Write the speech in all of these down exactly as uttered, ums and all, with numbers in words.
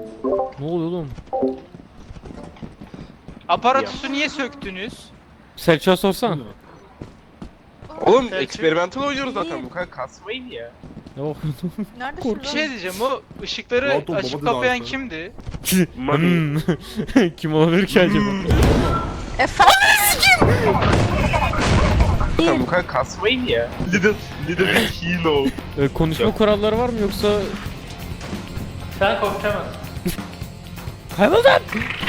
Ne oluyor oğlum? Aparatüsü niye söktünüz? Selçuk'a sorsana. Oğlum Selçuk. eksperimental oynuyoruz zaten, bu kadar kasmayın ya. Yok. Neredesin Bir lan? şey diyeceğim, o ışıkları Rahat ol, açıp baba dedi kapayan abi. kimdi? Hmm. Kim olabilir ki acaba? Efendim? Zaten bu kadar kasmayın ya. Little, little hero. Ee, konuşma kuralları var mı yoksa... Sen korkamazsın. Hayvanlar!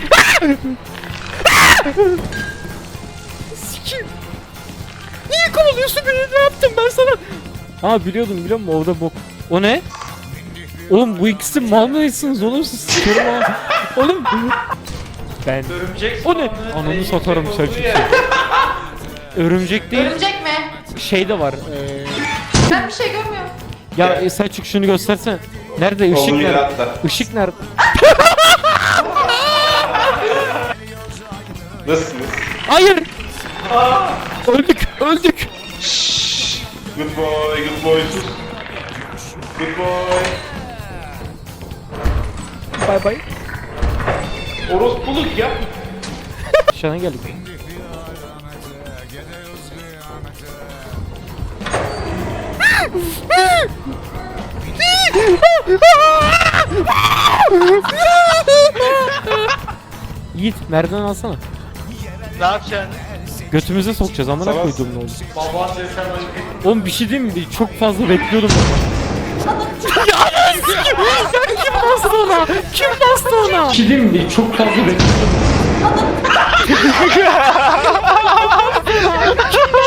Sikim! Niye kovalıyorsun beni? Ne yaptım ben sana? Aa biliyordum biliyor musun? Orada bok. O ne? Oğlum bu ikisi mal mısınız oğlum siz? Sikerim ha. Oğlum. Ben. Örümcek O ne? Ananı satarım Selçuk. Örümcek değil. Örümcek mi? Şey de var. Ee... Ben bir şey görmüyorum. Ya e, Selçuk şunu göstersene. Nerede? Işık nerede? Işık nerede? Nasılsınız? Hayır. Öldük. Öldük. Good boy, good boy. Good boy. Bay bay. Orospuluk ya. Aşağıdan geldik. Yiğit merdiven alsana. Ne yapacaksın? Götümüze sokacağız amına Sana- koydum ne oldu? Baban desen Oğlum bir şey diyeyim mi? Çok fazla bekliyordum ama. Ya ananı sikeyim! Ya kim bastı ona? Kim bastı ona? Bir şey diyeyim mi? Çok fazla bekliyordum. Kim